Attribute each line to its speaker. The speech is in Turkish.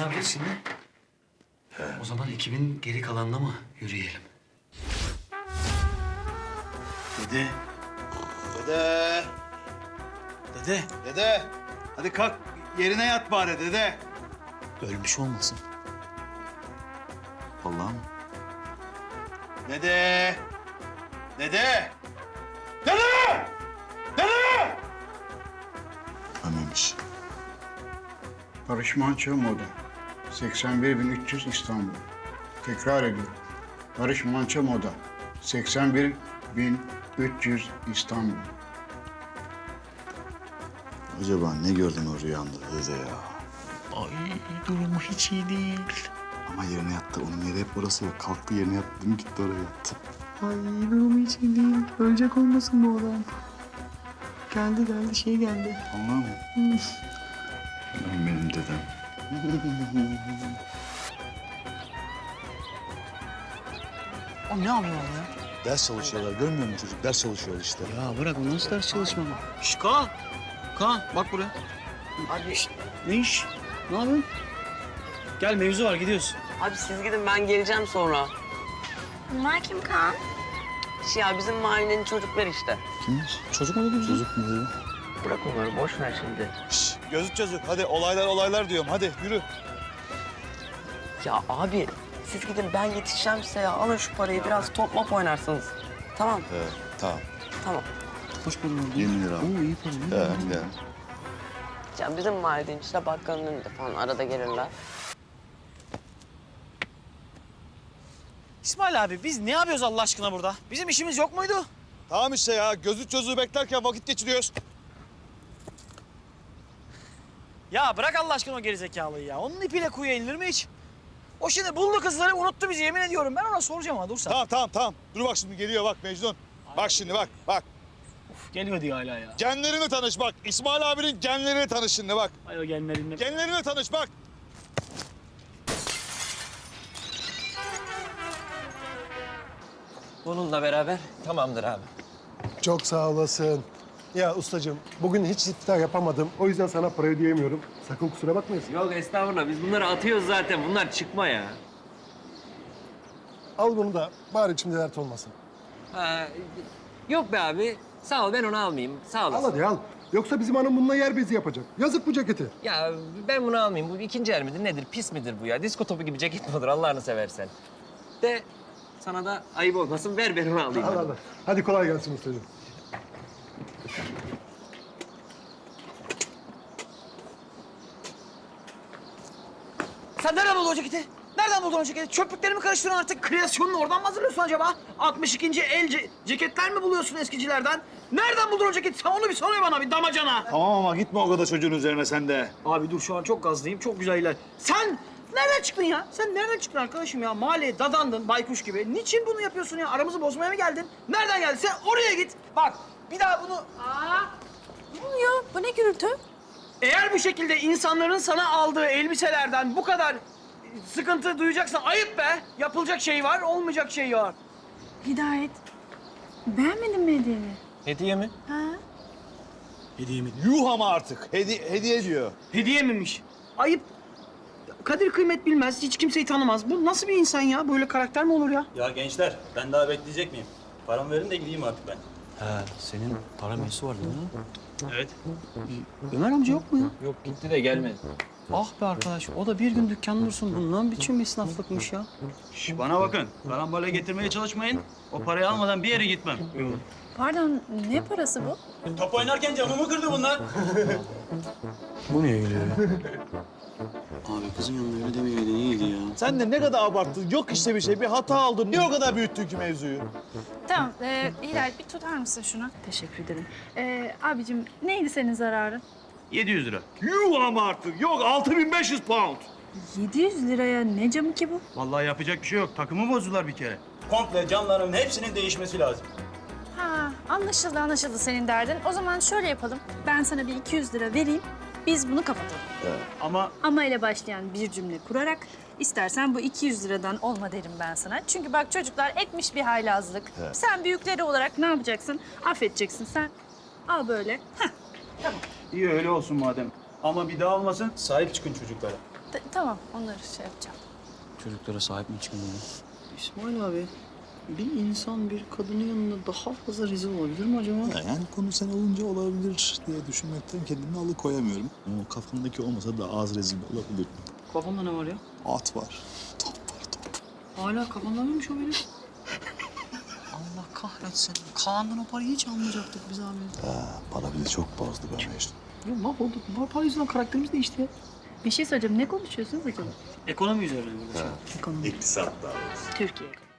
Speaker 1: yapacağız şimdi? O zaman ekibin geri kalanına mı yürüyelim?
Speaker 2: Dede. Dede.
Speaker 1: Dede.
Speaker 2: Dede. Hadi kalk yerine yat bari dede.
Speaker 1: Ölmüş olmasın?
Speaker 2: Vallahi mı? Dede. Dede. Dede. Dede. Ölmemiş.
Speaker 3: Barış Manço Moda. 81.300 İstanbul. Tekrar ediyorum. Barış Manço Moda. 81.300 İstanbul.
Speaker 2: Acaba ne gördün o rüyanda dede ya?
Speaker 1: Ay durumu hiç iyi değil.
Speaker 2: Ama yerine yattı. Onun yeri hep orası ya. Kalktı yerine yattı. Dün gitti oraya yattı.
Speaker 1: Ay durumu hiç iyi değil. Ölecek olmasın bu adam. Geldi geldi.
Speaker 2: Anladın mı? Benim dedem.
Speaker 1: O ne yapıyor ya?
Speaker 2: Ders çalışıyorlar. Görmüyor musun çocuk? Ders çalışıyor işte.
Speaker 1: Ya bırak o nasıl ders çalışma mı? Şş Kaan. Kaan bak buraya.
Speaker 4: Abi,
Speaker 1: Ne iş? Ne yapıyorsun? Gel mevzu var gidiyoruz.
Speaker 4: abi siz gidin ben geleceğim sonra.
Speaker 5: Bunlar kim Kaan?
Speaker 4: Ya bizim mahallenin çocuklar işte.
Speaker 2: Kimmiş?
Speaker 1: Çocuk mu dedi?
Speaker 2: Çocuk mu dedi?
Speaker 4: Bırak onları boş ver şimdi.
Speaker 2: Şşş, gözlük çocuk. Hadi olaylar diyorum. Hadi yürü.
Speaker 4: Ya abi siz gidin ben yetişeceğim size ya. Alın şu parayı biraz top mop oynarsınız. Tamam
Speaker 2: Evet, tamam.
Speaker 4: tamam.
Speaker 1: Hoş bulduk.
Speaker 2: 20 lira.
Speaker 1: Oo iyi para.
Speaker 2: Evet, gidelim.
Speaker 4: Ya bizim mahallenin işte bakkalın önünde falan arada gelirler.
Speaker 6: İsmail abi biz ne yapıyoruz Allah aşkına burada? Bizim işimiz yok muydu?
Speaker 2: Tamam işte ya. Gözlük çocuğu beklerken vakit geçiriyoruz.
Speaker 6: Ya bırak Allah aşkına o gerizekalıyı ya. Onun ipiyle kuyuya inilir mi hiç? O şimdi buldu kızları unuttu bizi yemin ediyorum. Ben ona soracağım ama dur sen.
Speaker 2: Tamam. Dur bak şimdi geliyor bak Mecnun. Bak şimdi bak.
Speaker 6: Uf, geliyor diyor hala ya.
Speaker 2: Genlerini tanış bak. İsmail abinin genlerini tanış şimdi bak.
Speaker 6: Ay o genlerimle.
Speaker 2: Genlerini tanış bak.
Speaker 4: Bununla beraber tamamdır abi.
Speaker 7: Çok sağ olasın. Ya ustacığım, bugün hiç iftar yapamadım. O yüzden sana para ödeyemiyorum. Sakın kusura bakmayasın.
Speaker 4: Yok estağfurullah biz bunları atıyoruz zaten. Bunlar çıkma ya.
Speaker 7: Al bunu da bari içimde dert olmasın.
Speaker 4: Ha, yok be abi. Sağ ol ben onu almayayım. Sağ
Speaker 7: Al
Speaker 4: olasın.
Speaker 7: hadi al. Yoksa bizim hanım bununla yer bezi yapacak. Yazık bu ceketi.
Speaker 4: Ya ben bunu almayayım. Bu ikinci el midir nedir? Pis midir bu ya? Disko topu gibi ceket mi olur Allah'ını seversen? De sana da ayıp olmasın. Ver ben onu alayım.
Speaker 7: Al al. Hadi kolay gelsin ustacığım.
Speaker 6: Sen nereden buldun o ceketi? Nereden buldun o ceketi? Çöplükleri mi karıştırıyorsun artık? Kreasyonunu oradan mı hazırlıyorsun acaba? 62. el ceketler mi buluyorsun eskicilerden? Nereden buldun o ceketi? Sen onu bir söyle bana bir damacana.
Speaker 2: Tamam ama gitme o kadar çocuğun üzerine sen de.
Speaker 6: Abi dur şu an çok gazlıyım. Çok güzel iler. Sen nereden çıktın ya? Sen nereden çıktın arkadaşım ya? Mahalleye dadandın baykuş gibi. Niçin bunu yapıyorsun ya? Aramızı bozmaya mı geldin? Nereden geldin? Sen oraya git. Bak bir daha bunu...
Speaker 5: Ne oluyor? Bu ne gürültü?
Speaker 6: Eğer bu şekilde insanların sana aldığı elbiselerden bu kadar sıkıntı duyacaksan ayıp be. Yapılacak şey var, olmayacak şey var.
Speaker 5: Hidayet. Beğenmedin mi hediyeni?
Speaker 4: Hediye mi?
Speaker 5: Ha?
Speaker 6: Hediye mi?
Speaker 2: Yuh ama artık. Hediye diyor.
Speaker 6: Hediye miymiş? Ayıp. Kadir kıymet bilmez, hiç kimseyi tanımaz. Bu nasıl bir insan ya? Böyle karakter mi olur ya?
Speaker 8: Ya gençler, ben daha bekleyecek miyim? Paramı verin de gideyim artık ben.
Speaker 1: Ha senin para mevzusu vardı değil mi?
Speaker 8: Evet.
Speaker 6: Ömer amca yok mu ya?
Speaker 4: Yok gitti de gelmedi.
Speaker 6: Ah be arkadaş, o da bir gün dükkan dursun. Bundan biçim bir esnaflıkmış ya.
Speaker 8: Şş, bana bakın, karambole getirmeye çalışmayın. O parayı almadan bir yere gitmem.
Speaker 5: Pardon, ne parası bu?
Speaker 8: Top oynarken camımı kırdı bunlar.
Speaker 1: Bu ne öyle ya? Abi kızın yanında öyle demeyeydin iyiydi ya.
Speaker 2: Sen de ne kadar abarttın. Yok işte bir şey. Bir hata aldın. Niye o kadar büyüttün ki mevzuyu?
Speaker 5: Tamam, Hidayet bir tutar mısın şunu? Teşekkür ederim. Abicim, neydi senin zararın?
Speaker 8: 700 lira.
Speaker 2: Yuh ama artık. Yok 6500 pound.
Speaker 5: 700 liraya ne camı ki bu?
Speaker 8: Vallahi yapacak bir şey yok. Takımı bozdular bir kere. Komple camların hepsinin değişmesi lazım.
Speaker 5: Ha, anlaşıldı senin derdin. O zaman şöyle yapalım. Ben sana bir 200 lira vereyim. Biz bunu kapatalım.
Speaker 8: Ama
Speaker 5: Ama ile başlayan bir cümle kurarak istersen bu 200 liradan olma derim ben sana. Çünkü bak çocuklar etmiş bir haylazlık. Sen büyükleri olarak ne yapacaksın? Affedeceksin sen. Al böyle. Heh.
Speaker 8: iyi öyle olsun madem. Ama bir daha olmasın, sahip çıkın çocuklara.
Speaker 5: Tamam, onları şey yapacağım.
Speaker 4: Çocuklara sahip mi çıkın ya?
Speaker 6: İsmail abi, bir insan bir kadının yanında daha fazla rezil olabilir mi acaba?
Speaker 2: Yani konu sen olunca olabilir diye düşünmekten kendimi alıkoyamıyorum. Ama o kafamdaki olmasa da az rezil olabilir.
Speaker 6: Kafanda ne var ya?
Speaker 2: At var, top var, top.
Speaker 6: Hala kafanda mıymış o benim? Allah kahretsin. Kaan'dan o parayı hiç almayacaktık biz abi.
Speaker 2: Para bizi çok bozdu be Mecnun.
Speaker 6: Ya mahvolduk. Bu para yüzünden karakterimiz değişti ya.
Speaker 5: Bir şey söyleyeceğim. Ne konuşuyorsunuz acaba?
Speaker 6: Ekonomi üzerine mi? Ekonomi.
Speaker 2: İktisat daha doğrusu.
Speaker 5: Türkiye ekonomisi.